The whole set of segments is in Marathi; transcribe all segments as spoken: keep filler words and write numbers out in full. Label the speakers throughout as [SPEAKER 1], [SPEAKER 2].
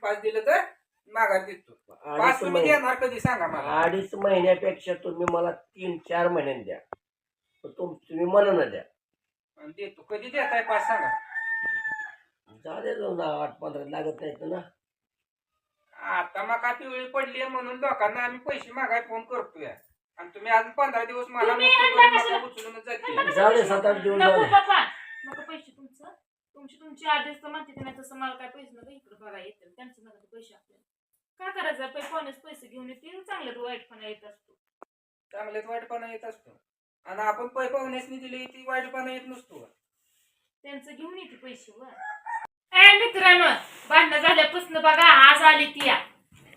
[SPEAKER 1] पाच दिलं तर माघार देतो. पाच
[SPEAKER 2] अडीच
[SPEAKER 1] तुम्ही
[SPEAKER 2] महिने
[SPEAKER 1] देणार कधी सांगा मला.
[SPEAKER 2] अडीच महिन्यापेक्षा तुम्ही मला तीन चार महिन्यात द्या. पण तुम तुम्ही मनानं द्या.
[SPEAKER 1] आणि देतो. कधी देताय पाच सांगा.
[SPEAKER 2] झाले जाऊन आठ पंधरा लागत नाहीत ना.
[SPEAKER 1] आता मका पिवळी पडली म्हणून लोकांना आम्ही पैसे मागाय फोन करतोय आणि तुम्ही अजून पंधरा दिवस मला
[SPEAKER 3] तुम्ही
[SPEAKER 1] मुक्त
[SPEAKER 3] आणला
[SPEAKER 1] करून
[SPEAKER 3] कशाला?
[SPEAKER 1] मका उचलूनच जाते.
[SPEAKER 2] झाले सात आठ दिवस
[SPEAKER 3] नको
[SPEAKER 2] झाले.
[SPEAKER 3] पप्पा नको पैसे तुमचं तुमची तुमची आधीच तर म्हणते नाही तसं मला काय पैसे नको इकडे बघा येतील त्यांचे नका पैसे आपल्याला काय करायचं पै कोणीच पैसे घेऊन येतील चांगलं वाईटपणा येत असतो.
[SPEAKER 1] चांगल्यात वाईटपणा येत असतो आणि आपण पै पाहुण्यासनी दिली ती वाईटपणा येत नसतो.
[SPEAKER 3] त्यांचं घेऊन येते पैसे वर ए मित्रांनो भांडणं झाल्यापासून बघा आज आली ती या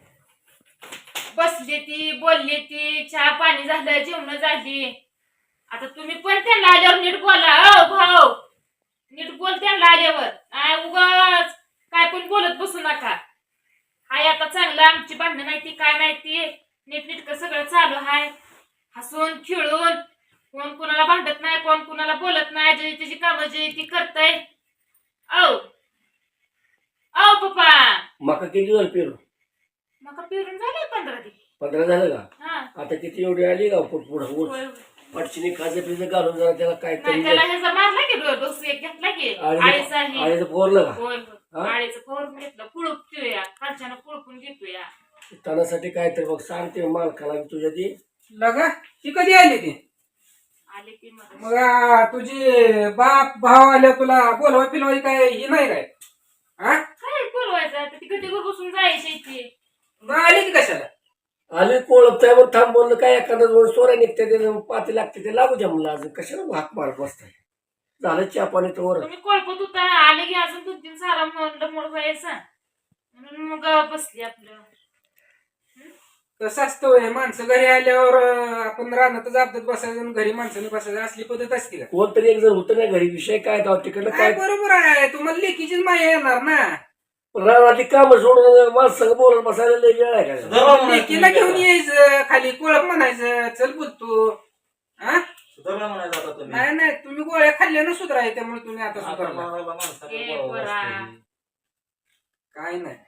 [SPEAKER 3] बसली ती बोलली ती चहा पाणी झालं जेवण झाली. आता तुम्ही पण त्यांना आल्यावर नीट बोला. अ भाऊ नीट बोल त्यांना आल्यावर नाही उगाच काय पण बोलत बसू नका. हाय आता चांगलं आमची भांडणं नाही ती काय नाही ती नीट नीटकं सगळं चालू हाय हसून खेळून कोण कुणाला भांडत नाही कोण कुणाला बोलत नाही जे त्याची कामं जे ती करताय. औ औ पप्पा
[SPEAKER 2] मका किती झालं पेरू?
[SPEAKER 3] मका पेरून झाले पंधरा दिवस.
[SPEAKER 2] पंधरा झालं का?
[SPEAKER 3] हा
[SPEAKER 2] आता किती एवढी आली का पुढं
[SPEAKER 3] होय, होय.
[SPEAKER 2] पटचिनी खाजं पिजं घालून जरा त्याला काय
[SPEAKER 3] नाही
[SPEAKER 2] तरी
[SPEAKER 3] त्याला ह्याचा मारला की डो- डोस एक घेतला की
[SPEAKER 2] आळीचं
[SPEAKER 3] आळीचा आहे.
[SPEAKER 2] आळीचं पोरलं का?
[SPEAKER 3] होय
[SPEAKER 2] हा?
[SPEAKER 3] होय आळीचं फोडून घेतलं पुळूप ठेवूया खालच्यानं पुळपून घेतोया.
[SPEAKER 2] तणासाठी काय तर बघ सांगते मालकाला की तुझ्या ती
[SPEAKER 1] लगा ती कधी आली ती?
[SPEAKER 3] आले की मग
[SPEAKER 1] मग आ, तुझी बाप भाव आल्या तुला बोलवा पिलवाय काय ही नाही काय? हा
[SPEAKER 3] काय बोलवायचं आता ती गटीवर बसून जायची इथे.
[SPEAKER 1] मग आली की कशाला?
[SPEAKER 2] आली कोळपताय मग थांब बोललं काय एखादा दोन सोऱ्या निघते ते पाती लागते ते लागू द्या म्हणलं अजून कशाला हाक मारत बसताय. झालं चहा पाणी तर वर
[SPEAKER 3] तुम्ही कोळपत होता आले की अजून दोन तीन सारा मोड मोड व्हायचा म्हणून मग बसली आपलं.
[SPEAKER 1] कसं असतं होय, माणसं घरी आल्यावर अं, आपण रानातच अपदात बसायचं आणि घरी माणसाने बसायचं असली पद्धत असते का?
[SPEAKER 2] कोणतरी एक जण होतं नाही घरी विषय काय तर तिकडलं
[SPEAKER 1] काय
[SPEAKER 2] काय
[SPEAKER 1] बरोबर आहे तुम्हाला लेकीचीच माया येणार ना.
[SPEAKER 2] रानातली काम सोडून माणसं बोलत बसायला लय वेळ आहे का?
[SPEAKER 1] लेकीला घेऊन यायचं खाली कोळप म्हणायचं चल बोलतो. हा
[SPEAKER 4] सुधारला म्हणायचं आता तुम्ही.
[SPEAKER 1] नाही नाही तुम्ही गोळ्या खाल्ल्या ना सुधाराय त्यामुळे तुम्ही आता
[SPEAKER 4] आता
[SPEAKER 1] सुधारला.
[SPEAKER 4] मारायला माणसाला
[SPEAKER 3] ए,
[SPEAKER 4] बोलावं
[SPEAKER 3] बरा.
[SPEAKER 4] लागतं.
[SPEAKER 1] काय नाही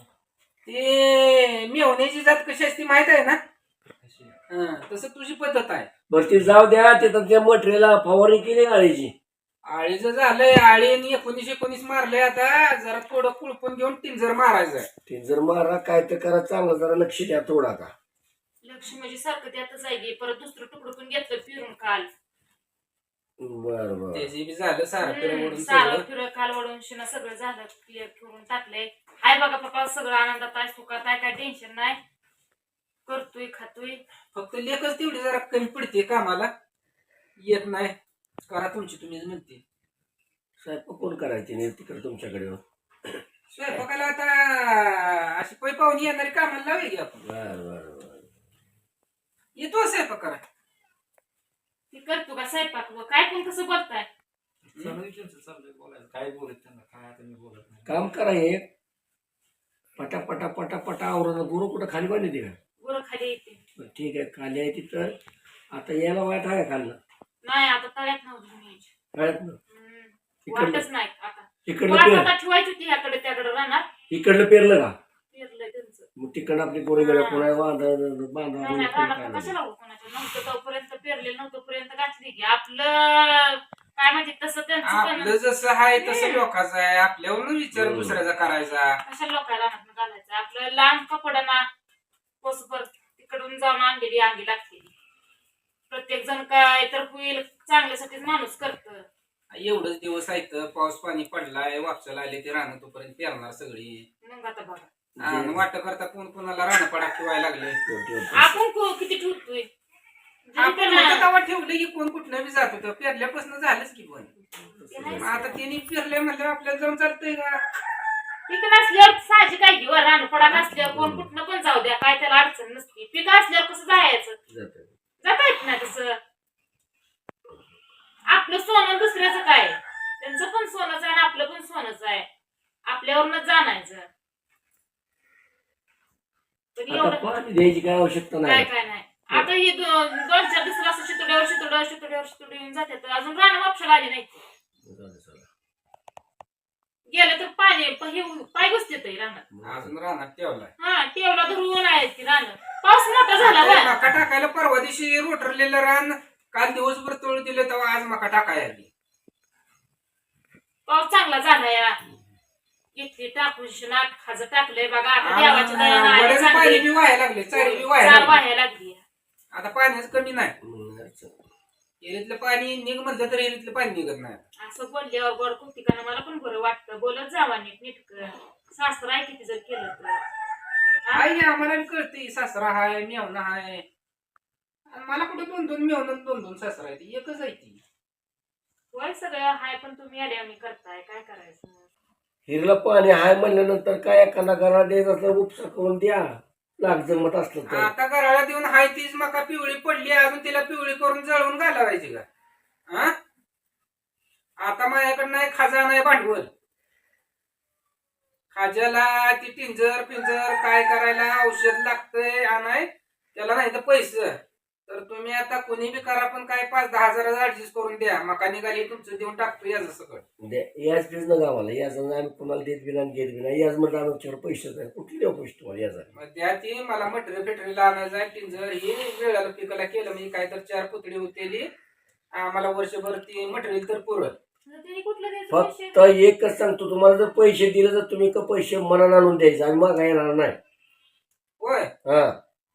[SPEAKER 1] ते मेवण्याची जात कशी असते माहित आहे ना.
[SPEAKER 4] कशी?
[SPEAKER 1] हा, तसं तुझी पद्धत आहे.
[SPEAKER 2] बरं ती जाऊ द्या तिथं त्या मटेरियलला फवारणी केली आळीची.
[SPEAKER 1] आळीचं झालंय आळीने एकोणीस एकोणीस मारलंय आता जरा थोडं कुळपून घेऊन टिंजर मारायचं.
[SPEAKER 2] ते जर मारा काय तर करा चांगलं जरा लक्ष द्या थोडं आता.
[SPEAKER 3] लक्ष्मी म्हणजे सारखं त्यातच आहे की परत दुसरं तुकडं पण घेतलं फिरून काल.
[SPEAKER 2] बर बर
[SPEAKER 1] त्याची बी झालं सारं
[SPEAKER 3] हम्म,
[SPEAKER 1] फिरवून
[SPEAKER 3] सारं
[SPEAKER 1] सगळं.
[SPEAKER 3] फिरं काल वडून शिना सगळं झालं क्लिअर करून टाकलंय. हाय बघा पप्पा सगळं आनंदात आहे सुखात आहे काय टेन्शन नाही करतोय खातोय.
[SPEAKER 1] फक्त लेखच तेवढी जरा कमी पडते कामाला येत नाही. करा तुमची तुम्हीच म्हणते.
[SPEAKER 2] स्वयंपाक कोण करायची नाही तिकडे तुमच्याकडे?
[SPEAKER 1] स्वयंपाकाला आता अशी पै पाहुणी येणारी कामाला लावे की आपण.
[SPEAKER 2] बर बर बर
[SPEAKER 1] येतो स्वयंपाक करा.
[SPEAKER 3] ती करतो का स्वयंपाक व काय पण कसं बोलताय.
[SPEAKER 4] चालू आहे त्यांचं चाललंय बोलायचं. काय बोलत त्यांना काय आता मी बोलत नाही.
[SPEAKER 2] काम करा हे पटा पटा पटा पटा आवरण गुरु कुठं खाली बांधली ते का?
[SPEAKER 3] गुरं खाली येते
[SPEAKER 2] बरं, ठीक आहे खाली आहे तिथं. आता यायला वाट आहे खाल्लं
[SPEAKER 3] नाही आता तळ्यात नव्हतं यायची.
[SPEAKER 2] कळत ना इकडलं
[SPEAKER 3] वाटच नाही आता
[SPEAKER 2] इकडलं
[SPEAKER 3] वाट
[SPEAKER 2] पेर
[SPEAKER 3] आता ठेवायची होती ह्याकडे त्याकडे राहणार
[SPEAKER 2] इकडलं पेरलं का?
[SPEAKER 3] पेरलंय त्यांचं.
[SPEAKER 2] मग तिकडं आपली पोरी गेल्या कोणा बांधा बांधा
[SPEAKER 3] नाही नाही राहणार कशाला हो कोणाच्या नव्हतं तोपर्यंत पेरलेलं नव्हतं पर्यंत घातली की आपलं काय म्हणते तसं त्यांचं
[SPEAKER 1] आपलं
[SPEAKER 3] पण
[SPEAKER 1] जसं आहे तसं लोकांचं आहे. आपल्यावर विचार दुसऱ्याचा करायचा.
[SPEAKER 3] कशा लोकांना राहणार घालायचं आपलं लहान कपड्यांना पोसभर तिकडून जाऊन आणलेली अंगी लागते. प्रत्येक जण काय तर होईल चांगल्यासाठीच माणूस करतं.
[SPEAKER 1] एवढंच दिवस आहेत पाऊस पाणी पडलाय वापसाला आले ते राहणं तोपर्यंत पेरणार सगळी.
[SPEAKER 3] मग आता बघा
[SPEAKER 1] आणि वाट करता कोण कोणाला राहणं पडा ठेवायला लागले.
[SPEAKER 3] आपण को- किती ठेवतोय
[SPEAKER 1] आपण होतं तेव्हा ठेवलं की कोण कुठनं बी जात होतं पेरल्यापासून झालंच की पण. मग आता त्यांनी पेरले म्हणलं आपल्याला जाऊन चालतंय का?
[SPEAKER 3] पीक नसल्यावर साहजिक काय घेऊ रानपडा नसल्यावर कोण कुठनं पण जाऊ द्या काय त्याला अडचण नसते. पीक असल्यावर कसं जायचं जाता येत नाही तसं. आपलं सोनं दुसऱ्याचं काय त्यांचं पण सोनंच आहे आणि आपलं पण सोनंच आहे आपल्यावरच जाणायचं. पण
[SPEAKER 2] आता
[SPEAKER 3] एवढं
[SPEAKER 2] पाणी द्यायची काय आवश्यकता
[SPEAKER 3] काय
[SPEAKER 2] नाही.
[SPEAKER 3] काय नाही आता ही दोन दोन चार दिवसाला असं शितोड्यावर शितोड्यावर शितोड्यावर शितोडी येऊन जाते तर अजून रान वापशाला आली नाही. गेलं तर पाणी प- हे पाय घुसते रानात.
[SPEAKER 1] अजून रानात ठेवलाय.
[SPEAKER 3] हा टेवला धरून आहे ती रानात. पाऊस मोठा झाला
[SPEAKER 1] आता
[SPEAKER 3] बा.
[SPEAKER 1] मका टाकायला परवा दिवशी रोटरलेलं रान काल दिवसभर तोळ दिले तेव्हा आज मका टाकाय आली.
[SPEAKER 3] पाऊस चांगला झाला या. इथली टाकून नाट खाज टाकलंय बघा. आता देवाच्या दयानं आहे
[SPEAKER 1] वड्याचं पाणी
[SPEAKER 3] चांगली.
[SPEAKER 1] बी व्हायला लागले, चारी बी व्हायला
[SPEAKER 3] चार
[SPEAKER 1] लागली.
[SPEAKER 3] वाहायला लागली.
[SPEAKER 1] आता पाण्याच कमी नाही.
[SPEAKER 2] म्हणून अडचण.
[SPEAKER 1] एरीतलं पाणी निघ म्हणलं तर एरीतलं पाणी निघत नाही.
[SPEAKER 3] असं बोलल्यावर गोड कुठिकानं मला पण बरं वाटतं. बोलत जावा नीट नीटक. सासरा आहे किती जर केलं तर. हा?
[SPEAKER 1] आई आम्हाला बी कळते सासरा हाय मेवणा हाय. आणि मला कुठे दोन दोन मेवणं दोन दोन सासरा आहे ती एकच आहे ती.
[SPEAKER 3] वय सगळं हाय पण तुम्ही आल्यावर करताय काय करायचं.
[SPEAKER 2] हिरला पाणी हाय म्हणल्यानंतर काय एखादा घराला द्यायचं असलं उपसा करून द्या लाग जमत असलं तर.
[SPEAKER 1] आता घराला देऊन हाय तीच मका पिवळी पडली अजून तिला पिवळी करून जळवून घालावायची का? हा आता माझ्याकडे नाही खाजा नाही भांडवल. खाज्याला ती टिंजर पिंजर काय करायला औषध लागतंय आणाय त्याला नाही तर पैसे. तर तुम्ही आता कोणी बी करा पण काय पाच दहा हजाराचा ऍडजस्ट करून द्या. मका निघाली तुमचं देऊन टाकतो याचं सगळं.
[SPEAKER 2] द्या याच बीज न गावाला याच आम्ही कुणाला देत बी नाही घेत बी नाही. याच म्हटलं आमच्याकडे पैसे नाही कुठले देऊ पैसे तुम्हाला याचा.
[SPEAKER 1] मग त्या ती मला मटेरियल फेटरीला आणायचं आहे. टिंजर ही वेळाला पिकाला केलं म्हणजे काय तर चार पुतळी होतेली आम्हाला वर्षभर ती मटेरियल तर पुरत.
[SPEAKER 3] त्यांनी कुठलं द्यायचं पैसे?
[SPEAKER 2] फक्त एकच सांगतो तुम्हाला जर पैसे दिले तर तुम्ही का पैसे मनानं आणून द्यायचे आणि मग येणार नाही.
[SPEAKER 1] होय
[SPEAKER 2] हा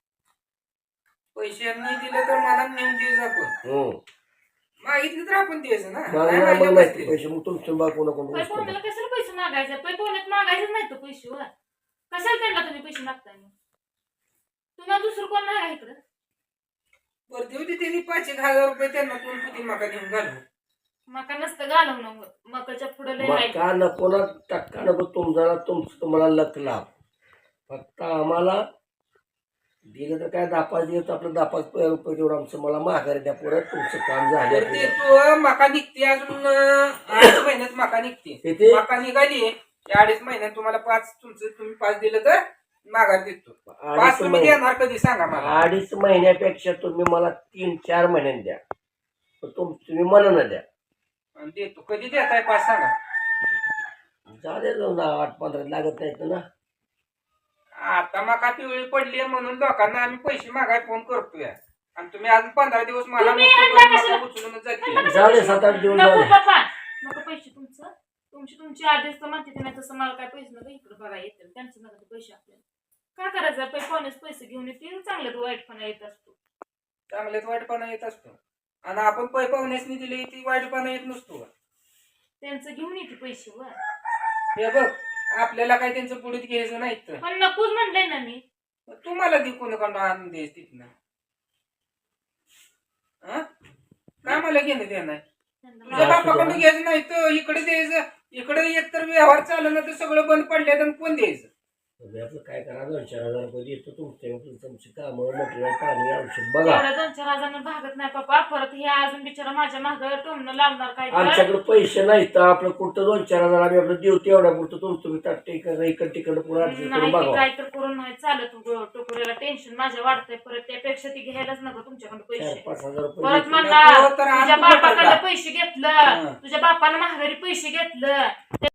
[SPEAKER 1] पैसे नाही दिले तर मला नेऊन द्यायचं आपण.
[SPEAKER 2] हम्म
[SPEAKER 1] मागितलं तर आपण द्यायचं ना.
[SPEAKER 2] मला
[SPEAKER 1] नाही
[SPEAKER 2] नाही
[SPEAKER 1] मागितलं
[SPEAKER 2] मला माहिती
[SPEAKER 1] बसते.
[SPEAKER 2] पैसे मग तुमच्या बा कोणा कोण
[SPEAKER 3] पै पाहुण्याला कशाला पैसे मागायचे? पै पाहुण्यात मागायचंच नाही तो पैसे वर. कशाला त्यांना तुम्ही पैसे मागताय मग? तुम्हाला दुसरं कोण नाही आहे इकडं?
[SPEAKER 1] बरं देऊ दे त्यांनी पाच एक हजार रुपये त्यांना दोन पुती मका देऊन घालू.
[SPEAKER 3] मका नसतं घालवणं होत. मकाच्या पुढे लय आहे.
[SPEAKER 2] मका नको ना टक्का नको तुमचा तुमचं तुम्हाला लक लाभ. फक्त आम्हाला दिलं तर काय दहा पाच दिवस आपलं दहा पाच रुपये तेवढं आमचं मला माघारी द्या परत तुमचं काम
[SPEAKER 1] तर ते
[SPEAKER 2] झालं.
[SPEAKER 1] तू मका निघते अजून अं, अडीच महिन्यात मका निघते.
[SPEAKER 2] किती?
[SPEAKER 1] मका निघाली या अडीच महिन्यात तुम्हाला पाच तुमचं तुम्ही पाच दिलं तर माघार देतो. पाच
[SPEAKER 2] अडीच
[SPEAKER 1] तुम्ही
[SPEAKER 2] महिने
[SPEAKER 1] देणार कधी सांगा मला.
[SPEAKER 2] अडीच महिन्यापेक्षा तुम्ही मला तीन चार महिन्यात द्या पण तुम तुम्ही मनानं द्या.
[SPEAKER 1] आणि देतो कधी देताय पाच सांगा.
[SPEAKER 2] झाले जाऊन आठ पंधरा लागत नाहीत ना.
[SPEAKER 1] आता मका पिवळी पडली म्हणून लोकांना आम्ही पैसे मागाय फोन करतोय आणि तुम्ही अजून पंधरा दिवस मला
[SPEAKER 3] तुम्ही
[SPEAKER 1] नको
[SPEAKER 3] आणला
[SPEAKER 1] करून
[SPEAKER 3] कशाला?
[SPEAKER 1] मका उचलूनच जाते.
[SPEAKER 2] झाले सात आठ दिवस
[SPEAKER 3] नको
[SPEAKER 2] झाले.
[SPEAKER 3] पप्पा नको पैसे तुमचं. तुमची तुमची आधीच तर म्हणते नाही तसं मला काय पैसे नका इकडे बघा येतील त्यांचे नका ते पैसे आपल्याला. काय करायचं पै पाहुणेच पैसे घेऊन येतील चांगलं वाईटपणा येत असतो.
[SPEAKER 1] चांगल्यात वाईटपणा येत असतो आणि आपण पै पाहुण्यासनी दिली ती वाईटपणा येत नसतो.
[SPEAKER 3] त्यांचं घेऊन येते पैसे वर.
[SPEAKER 1] हे बघ आपल्याला काय त्यांचं पुढे घ्यायचं नाही तर
[SPEAKER 3] पण नकोच म्हणलंय ना मी.
[SPEAKER 1] तुम्हाला ती कोणाकडून आणून द्यायच तिथनं. हा काय मला घेणं देणं नाही. तुझ्या
[SPEAKER 3] त्यांना
[SPEAKER 1] बापाकडून घ्यायचं नाही तर इकडे द्यायचं. इकडे एक तर व्यवहार चालू ना तर सगळं बंद पडले तर कोण द्यायचं.
[SPEAKER 2] तुम्ही आपलं काय करा दोन चार हजार रुपये देतो तुमच्या तुमची कामं मटेरियल पाणी औषध बघा.
[SPEAKER 3] एवढ्या दोन चार हजारांना भागत नाही पप्पा. परत हे अजून बिचारा माझ्या मागं टोमणं लावणार काय तर.
[SPEAKER 2] आमच्याकडे पैसे नाहीत तर आपलं कुठं दोन चार हजार आम्ही आपलं देऊ तेवढ्या पुरतं तुमचं तुम्ही टाकते इकडं तिकडं पुढे ऍडजस्ट
[SPEAKER 3] नाही
[SPEAKER 2] करून
[SPEAKER 3] ते
[SPEAKER 2] बघा.
[SPEAKER 3] काय तर करून नाही चालत. टोकरीला टेन्शन माझ्या वाढतंय. परत त्यापेक्षा ती घ्यायलाच नको तुमच्याकडे
[SPEAKER 2] चार
[SPEAKER 3] पैसे.
[SPEAKER 2] पाच हजार रुपये
[SPEAKER 3] परत
[SPEAKER 2] देतो.
[SPEAKER 3] म्हणला
[SPEAKER 1] नको तर आज
[SPEAKER 3] तुझ्या
[SPEAKER 1] कुठं
[SPEAKER 3] बापाकडे
[SPEAKER 1] टाका?
[SPEAKER 3] पैसे घेतलं.
[SPEAKER 1] हा.
[SPEAKER 3] तुझ्या बापानं माघारी पैसे घेतलं.